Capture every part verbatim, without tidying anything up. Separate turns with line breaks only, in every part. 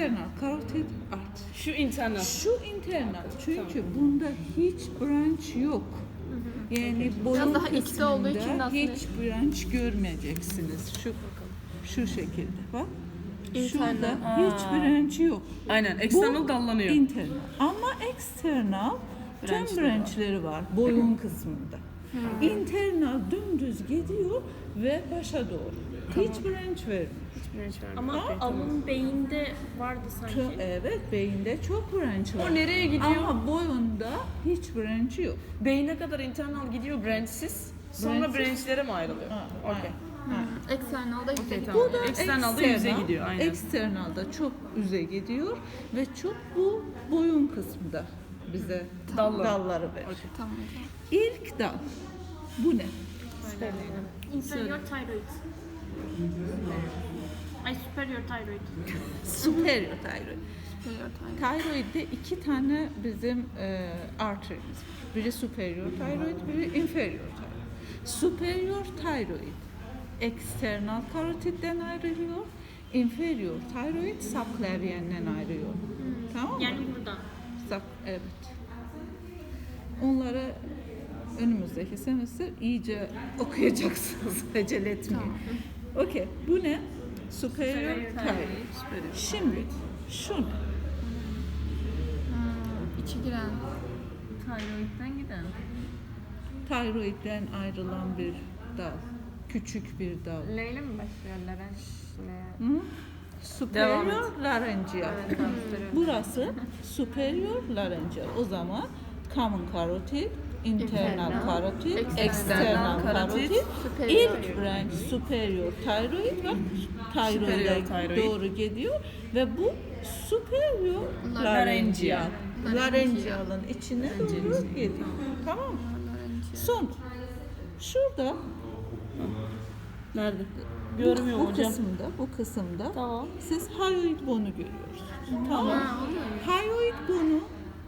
external carotid artery.
Şu internal.
Şu internal çünkü bunda hiç branch yok. Yani boyun
Biraz daha içte olduğu için
kısmında
aslında-
hiç branch görmeyeceksiniz. Şu şu şekilde bak. Şurada
Internal.
hiç branch yok.
Aynen. External
Bu
dallanıyor.
internal. Ama external tüm
Branchleri
branchleri var boyun kısmında. Internal dümdüz gidiyor ve başa doğru. Hiç branch vermiyor.
Ama
Okey,
alın beyinde vardı sanki.
Çok, evet beyinde çok branch var.
O nereye gidiyor?
Ama boyunda hiç branch yok.
Beyne kadar internal gidiyor branchsiz. Sonra
Branchsiz.
branchlere mi ayrılıyor?
Ha,
Okey.
ha.
External'da yüze
Okey,
gidiyor.
tamam.
Bu da
External'da yüze gidiyor, aynen.
External'da çok yüze gidiyor ve çok bu boyun kısmında bize
Dalları.
dalları verir.
Tamam hocam.
İlk dal. Bu ne?
Inferior thyroid. Ay superior thyroid.
Superior thyroid.
Superior thyroid.
Thyroid'de iki tane bizim e, arterimiz var. Biri superior thyroid, biri inferior thyroid. Superior thyroid external karotidden ayrılıyor. Inferior thyroid subclavian'den ayrılıyor. Tamam mı?
Yani buradan.
Sub, evet. Onları önümüzdeki semester iyice okuyacaksınız. Acele etmeyin. Okey. Bu ne? Superior thyroid. Şimdi şu ne?
İçi giren.
Thyroid'den giden.
Thyroid'den ayrılan bir dal. Küçük bir dal.
L ile mi başlıyor? Larenç ne?
Hı?
Devam
Superior laryngeal.
Evet, gösteriyor.
Burası superior laryngeal. O zaman common carotid, internal
Internal,
carotid,
external
external
carotid,
carotid,
superior.
ilk branch superior thyroid ve thyroid'e
Superior thyroid.
doğru gidiyor ve bu superior
Laryngeal.
laryngeal. Laryngeal'ın içine doğru geliyor. Tamam mı? Son. Şurada
Nerede?
bu,
Görmüyorum
bu
hocam.
kısımda, bu kısımda
Tamam.
siz hyoid bonu görüyorsunuz. Tamam mı? Hyoid bonu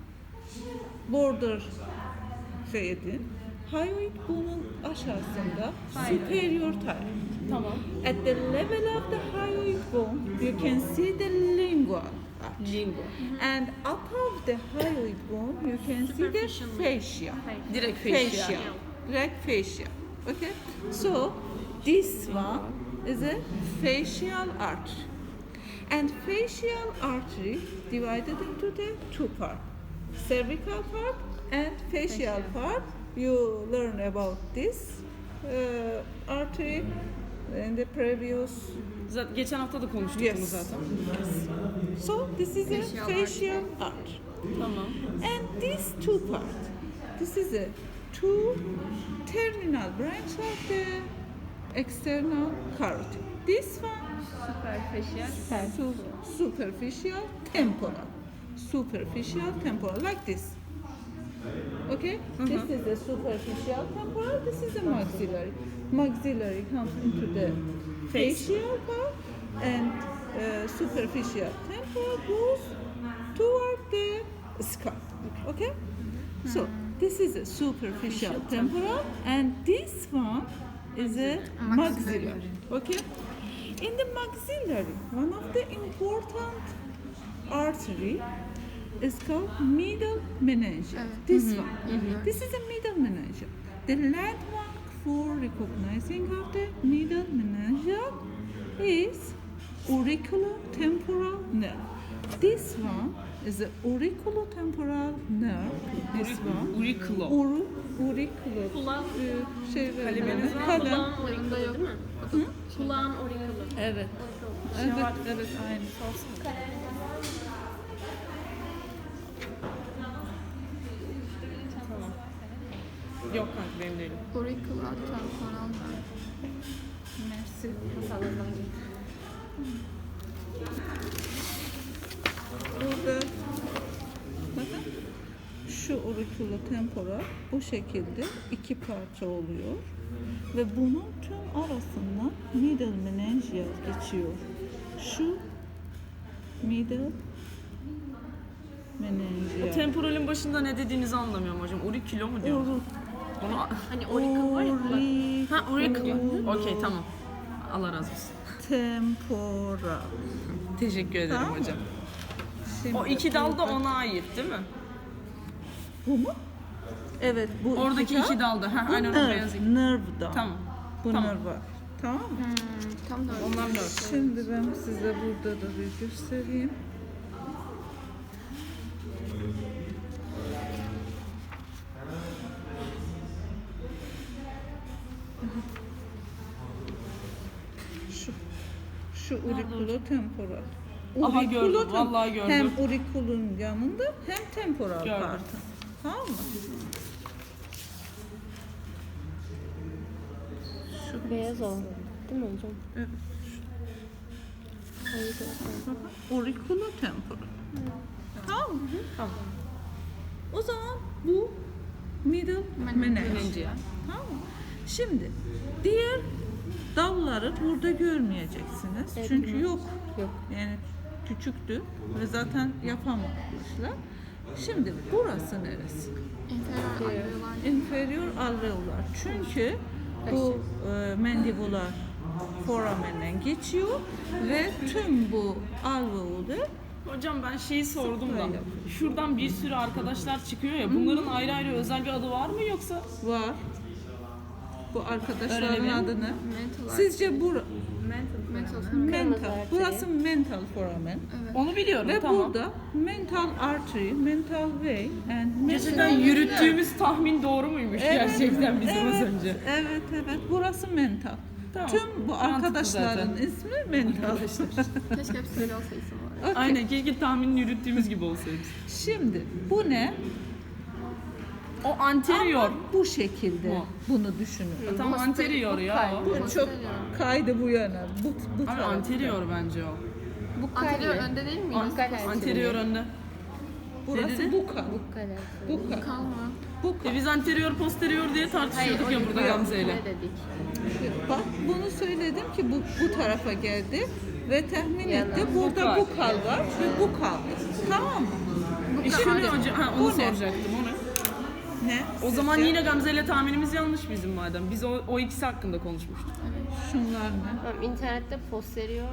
border şey edin. Hyoid bonun aşağısında superior thyroid.
Tamam.
At the level of the hyoid bone, you can see the lingual arch.
Lingo.
And above the hyoid bone, you can see the fascia.
Direkt facial.
Fascia. Direct fascia. Okay? So, this one is a facial artery. And facial artery divided into the two parts. Cervical part and facial part. You learn about this uh, artery in the previous.
Zaten geçen hafta da konuştuk
Yes.
bunu zaten.
So this is a
Facial
facial artery.
Tamam.
And these two parts, this is a two terminal branch of the external carotid. This one
Superficial.
su- superficial temporal. Superficial temporal, like this. Okay? This is a superficial temporal, this is a maxillary. Maxillary comes into the facial part and uh, superficial temporal goes toward the scalp. Okay? So, this is a superficial temporal and this one is a maxillary. Okay? In the maxillary, one of the important artery is called middle meningeal. This one. This is a middle meningeal. The landmark for recognizing of the middle meningeal is auriculotemporal nerve. This one is the auriculotemporal nerve. This one.
Auriculo.
Uru, auriculo.
Kulak.
Ee, şey
Kaleminiz var mı?
kalem.
Kulağın orikulu değil mi? Kulağın orikulu.
Evet. Evet, evet, aynı.
Yok kanka benim değilim.
Auricular temporal nerve.
Merci. Burada bakın şu auriculotemporal bu şekilde iki parça oluyor ve bunun tüm arasından middle meningeal geçiyor. Şu middle
O
meningeal.
temporalin başında ne dediğinizi anlamıyorum hocam. Auricula mu diyor?
Oru-
Bunu...
Hani orikul var ya kulak.
Auric-
Ha auricular. Okey tamam. Allah razı olsun.
temporal.
Teşekkür ederim
Tamam mı?
hocam.
Şimdi
O iki dal da
burada-
ona ait değil mi?
Bu mu? Evet bu
Oradaki
dal-
iki dalda. Ha,
Bu
aynen o
nerve,
beyaz iki.
nerve dal.
Tamam.
Bu
Tamam.
nerve var. Tamam mı?
Hmm, tam da öyle.
Onlar dört.
Şimdi ben size burada da bir göstereyim. Şu, şu auriculo temporal.
Aha,
Auriculo
gördüm,
tem-
vallahi gördüm.
Hem auriculun yanında hem temporal
Gördüm.
partı. Tamam mı?
Beyaz o. Değil mi hocam?
Evet.
Hayır, yok.
Auriculo temporal. Tamam mı?
Tamam.
O zaman bu middle menage.
Menage.
Tamam mı? Şimdi diğer dalları burada görmeyeceksiniz.
Evet,
Çünkü
tamam.
yok.
Yok.
Yani küçüktü ve zaten yapamamışlar. Şimdi burası neresi?
inferior alveolar.
Inferior alveolar. Çünkü bu e, mandibular foramenden geçiyor ve tüm bu alveolar
Hocam ben şeyi sordum da.
Böyle.
Şuradan bir sürü arkadaşlar çıkıyor ya. Bunların ayrı ayrı özel bir adı var mı yoksa?
var. Bu arkadaşların
Öğrenebilir miyim?
adını.
Mental
Sizce bu
mental.
mental.
artery.
Burası mental foramen.
Onu biliyorum
Ve
tamam.
burada mental artery, mental vein and
Gerçekten
mental...
yürüttüğümüz tahmin doğru muymuş
Evet,
gerçekten bizim az
evet,
önce?
Evet, evet. Burası mental.
Tamam.
Tüm bu
Mantıklı
arkadaşların
zaten.
ismi mental.
Keşke hepsi öyle olsa isim olarak.
Okey.
Aynen keşke tahmini yürüttüğümüz gibi olsaydı.
Şimdi bu ne?
O anterior.
Ama bu şekilde
Bu.
bunu düşünün.
Tam anterior ya o.
Bu çok kaydı bu yana. Bu, bu
Abi
tarafta.
anterior bence o.
Bu
Anterior
kale.
önde değil mi?
An-
Anterior önde.
Burası
dedi?
buka.
Bu kale.
Buka.
Kalma.
Buka.
E biz anterior posterior diye tartışıyorduk ya burada Gamze'yle.
Ne dedik?
Bak bunu söyledim ki bu bu tarafa geldi ve tahmin
Yana.
etti. Burada
Bukal.
bukal var ve bu kaldı. Tamam mı?
E şimdi hocam ha, onu
Bu ne?
soracaktım onu.
Ne?
O zaman
Sizce?
yine Gamze'yle tahminimiz yanlış bizim madem. Biz o, o ikisi hakkında konuşmuştuk.
Şunlar ne?
Tamam, internette posterior.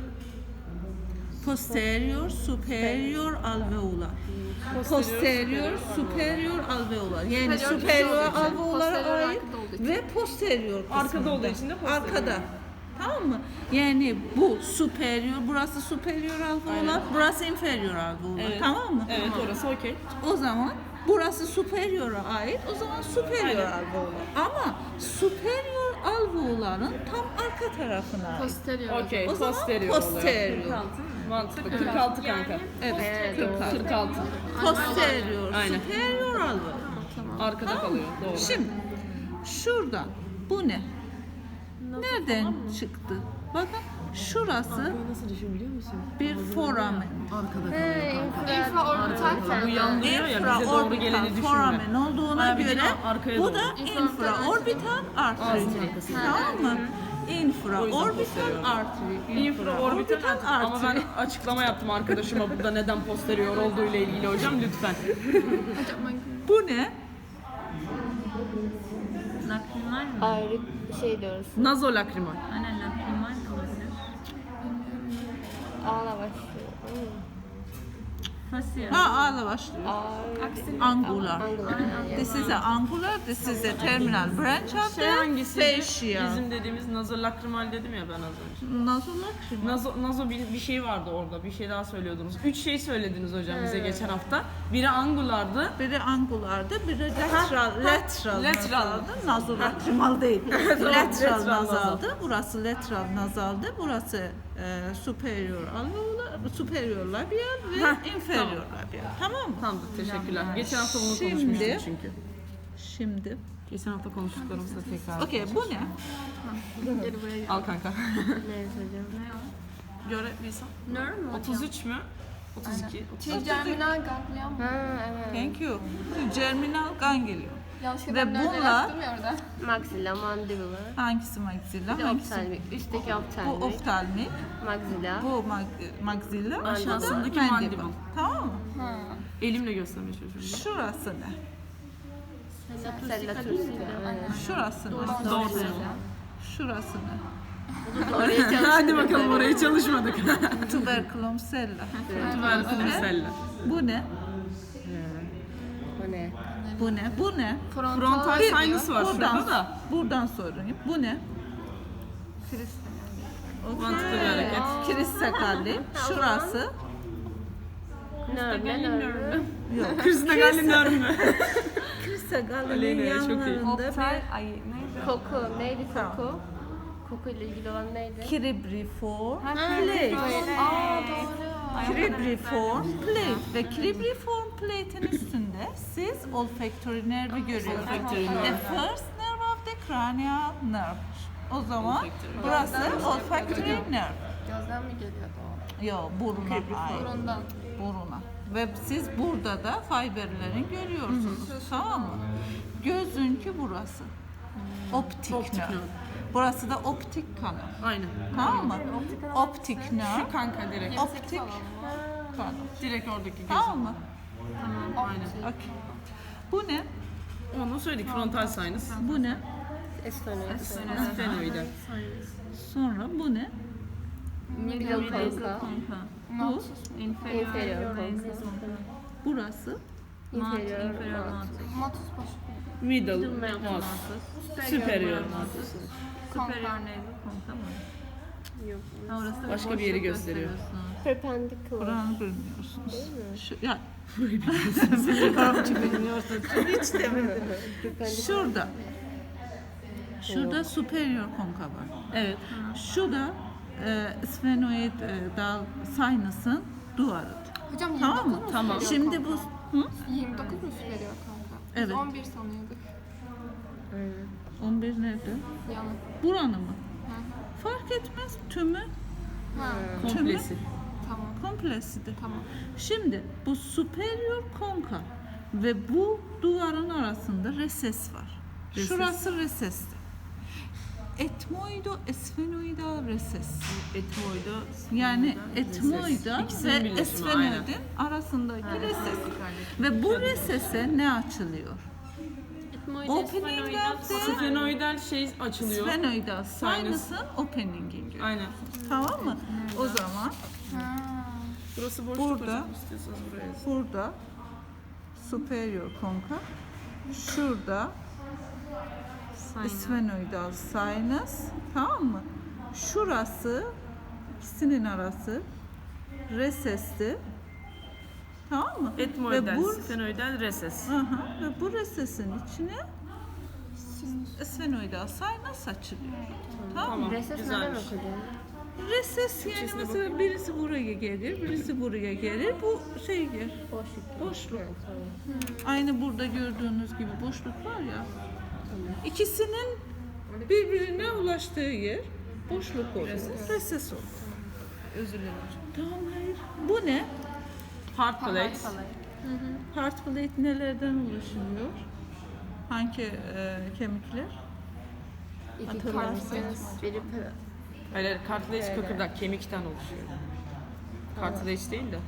Posterior, superior alveolar. Posterior, superior alveolar. Yani
Superior
superior
olduğu için,
alveolara
posterior
ait
arkada olduğu için.
ve posterior kısmında.
Arkada olduğu için de posterior.
Arkada. Tamam mı? Yani bu superior, burası superior alveolar, burası inferior alveolar.
Evet.
Tamam mı?
Evet orası okey.
O zaman burası superior'a ait. O zaman superior
Aynen.
alveolar. Ama superior alveoların tam arka tarafına ait.
Posterior.
Okey
O zaman
posterior oluyor.
posterior.
Mantıklı. kırk altı kanka.
Evet, kırk altı.
kırk altı.
Posterior,
Aynen.
superior alveolar.
Arkada kalıyor. Doğru.
Şimdi şuradan bu ne? Nereden çıktı? Bakın şurası
Nasıl düşün biliyor musun?
bir foramen.
Arkada
He, infra.
Infraorbital.
Bu yandırıyor ya bize doğru geleni
Infraorbital
düşünme.
foramen olduğuna
Ha, bir de
göre
arkaya
bu
doğru.
da infraorbital artery. Tamam mı? Infraorbital artery.
Infraorbital ama
artery.
ben açıklama yaptım arkadaşıma burada neden posterior olduğu ile ilgili hocam lütfen.
Hocam ben
Bu ne?
Lakrimal mı?
Ayrı şey diyoruz.
Nazolakrimal.
Aynen lakrimal de olabilir.
Ağla başlıyor.
Facial.
Ha ağla başlıyor.
Ağrı.
Angular.
Angular.
This is a angular, this is a terminal branch of
Şey
the
hangisi?
fascia.
Bizim dediğimiz nazolakrimal dedim ya ben az önce.
Nazolakrimal.
Nazo, nazo bir, bir şey vardı orada. Bir şey daha söylüyordunuz. Üç şey söylediniz hocam bize geçen hafta. Biri angulardı.
Biri angulardı, biri lateral, lateral,
Lateral.
nazaldı. Nazolakrimal değil.
Tamam,
lateral
lateral
nazaldı. Burası lateral nazaldı. Burası e, superior alveolar, superior labial ve
Heh,
inferior
tamam.
labial. Tamam mı?
Tamamdır teşekkürler. Geçen hafta bunu
Şimdi-
konuşmuştuk çünkü.
Şimdi.
Geçen hafta konuştuklarımızı da tekrar.
Okey, bu ne?
geri buraya gel.
Al kanka.
Ne hocam?
Göre bilsem.
Nerve mi hocam?
otuz üç mü? otuz iki.
Trigeminal ganglion mu?
Ha evet.
Thank you. Germinal ganglion.
Yanlışlıkla
Ve
ben nerede
bunlar-
yaptım ya orada.
Maxilla, mandibula.
Hangisi maxilla?
Bir de
Hangisi?
oftalmik. Üstteki
Bu
oftalmik.
oftalmik,
Maxilla.
bu mag- maxilla, bu da
Aşağısındaki
mandible.
mandible.
Tamam mı?
Elimle göstermeye çalışıyorum.
Şurası ne?
Sella tursika. Evet.
Şurası ne?
Doğru.
Şurası ne?
Oraya çalıştık.
Hadi bakalım oraya çalışmadık.
Tuberculum sella.
Tuberculum sella.
Bu ne?
Bu ne?
Bu ne? Bu ne?
Frontal
Bir-
sinus var
buradan,
şurada da.
Buradan sorayım. Bu ne?
Mantıklı bir hareket.
Kiris sakalli. Şurası.
Nerede? Nerede?
Yok.
Kristina Galliner mi?
Kiris sakallinin
Aleyna, çok iyi.
yanlarında bir
Ay neydi?
Koku. Neydi
Tamam.
koku? Koku ile ilgili olan neydi?
cribriform plate.
Aa doğru.
Cribriform plate ve cribriform plate'in üstünde siz olfactory nervi görüyorsunuz.
Olfactory nerve.
The first nerve of the cranial nerve. O zaman burası olfactory nerve.
Gözden mi geliyordu o?
Yo, buruna ait.
Burundan.
Buruna. Ve siz burada da fiberlerin görüyorsunuz. Tamam mı? Gözünkü burası. Optik
Optik
nerve.
nerve.
Burası da optik kanal.
Aynen.
Tamam mı? Optik nerve.
Şu kanka direkt.
Optik kanal.
Direkt oradaki göz.
Tamam mı?
Aynen.
Okey. Bu ne?
Onu söyledik. Frontal sinus.
Bu ne?
Esfenoid.
Sphenoidal.
Sonra bu ne?
Middle konka.
Bu.
Inferior konka.
Burası.
Inferior
Inferior
konka.
mantis.
Matus başı.
Middle.
Mantis.
Mouse. Superior.
Superior neydi? Konka mı?
Yok.
Ha, orası da
Başka bir yeri
boşluk
gösteriyor.
gösteriyorsunuz.
Perpendicular.
Buranı bilmiyorsunuz. Şu, ya. Arapça bilmiyorsunuz. Hiç demedim. Şurada. Şurada superior konka var. Evet. Şu da e, sphenoid e, dal sinus'ın duvarıdır.
Hocam yirmi
Tamam
dokuz
mı?
mu
Tamam.
superior
Şimdi
kanka?
bu hı?
yirmi dokuz mu superior kanka? Biz
Evet.
on bir sanıyorduk.
on bir nerede?
Yanlış.
Buranı mı? Fark etmez. Tümü
Ha,
Komplesi.
tamam.
komplesidir.
Tamam.
Şimdi bu superior konka ve bu duvarın arasında reses var.
Reses.
Şurası resestir. Etmoido esfenoidal reses.
Etmoida.
Yani etmoida
İkisinin
ve
birleşimi,
esfenoidin arasındaki reses. Ve bu resese ne açılıyor? Opening of the
Sphenoidal şey açılıyor.
sphenoidal sinus'ın opening'i görüyor.
Aynen.
Tamam mı? O zaman
Burası boşluk
Burada.
hocam. İstiyorsanız buraya yazın.
burada superior konka, şurada sphenoidal sinus, tamam mı? Şurası, ikisinin arası resesti, tamam mı?
Etmoidal,
Ve bu,
sphenoidal, reses.
aha, ve bu resesin içine sphenoidal sinus açılıyor. Tamam,
Tamam.
mı?
Reses neden
Güzelmiş.
okunuyor?
Reses yani
İçerisine
mesela birisi buraya gelir, birisi buraya gelir, bu şey yer,
Boşluk.
boşluk.
Evet, tamam.
Aynı burada gördüğünüz gibi boşluk var ya. İkisinin birbirine ulaştığı yer boşluk oluyor. Reses oluyor.
Özür dilerim hocam.
Tamam, hayır. Bu ne?
Heart plate.
Heart plate nelerden oluşuyor? Hangi e, kemikler?
İki
Hatırlarsınız.
kartınız. Biri pe-
Hayır, hayır, cartilage kıkırdak kemikten oluşuyor. Cartilage değil de.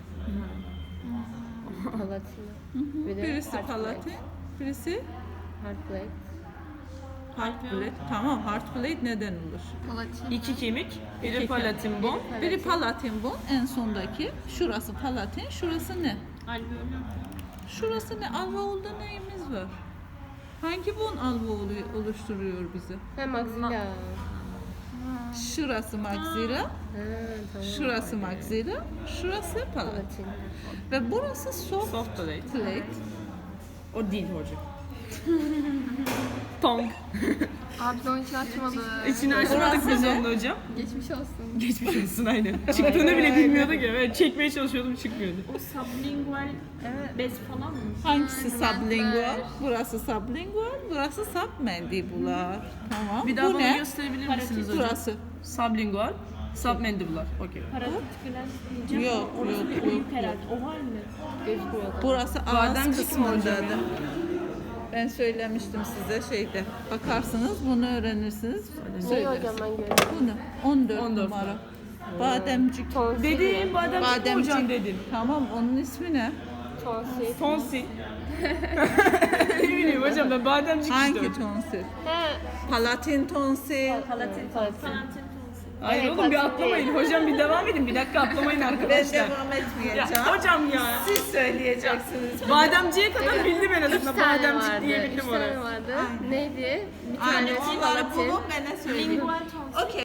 palatina. Bir de
Birisi
heart
palatin,
plate.
birisi
Heart plate.
heart plate. Tamam, heart plate neden oluşuyor?
Palatin.
İki kemik, biri
İki
palatin bone.
Biri palatin bone, en sondaki. Şurası palatin, şurası ne?
Alveolum.
Şurası ne? Alveolda neyimiz var? Hangi bone alveolu oluşturuyor bizi?
Ha maxilla.
Şurası maxilla,
Ha tamam.
şurası maxilla, şurası palatin.
Palatin.
Ve burası soft
Soft plate.
plate.
O değil hocam. Tongue.
Abi biz onun için açmadık.
İçini açmadık biz onun hocam.
Geçmiş olsun.
Geçmiş olsun aynen. Çıktığını bile bilmiyorduk ya. Ben çekmeye çalışıyordum çıkmıyordu.
O sublingual bez falan mı?
Hangisi sublingual? Burası sublingual, burası submandibular. Tamam.
Bir daha
Bu
bana
ne?
gösterebilir misiniz hocam?
Burası.
Sublingual, submandibular. Okey.
Paratiküler diyeceğim.
Yok,
Orası
yok,
bir
yok,
büyük herhalde. Oval mi?
Gözükmüyor.
Burası ağız
Bademcik mi
kısmındadır.
hocam?
Ben söylemiştim size şeyde. Bakarsınız, bunu öğrenirsiniz.
Ne
Söyleriz.
hocam ben görüyorum.
Bunu on dört,
on dört
numara. Bademcik.
Tonsil.
Dedim bademcik,
Bademcik.
hocam dedim.
Tamam, onun ismi ne?
Tonsil.
Tonsil. Ne bileyim hocam ben bademcik
Hangi
işte.
tonsil?
Ha.
Palatin tonsil.
Palatin. Palatin.
Palatin tonsil.
Hayır
Evet,
oğlum bir
basit
atlamayın. Hocam bir devam edin. Bir dakika atlamayın
Ben
arkadaşlar.
devam
Ya,
etmeyeceğim.
hocam ya.
Siz söyleyeceksiniz.
Bademciye kadar bildim en
Üç
azından.
tane
Bademcik
vardı.
diye
Üç
bildim
tane
orası.
vardı. Neydi? Bir
Aynen
tanesi
onları
Latin.
bulup bana söyleyin.
Lingual tonsils.
Okay.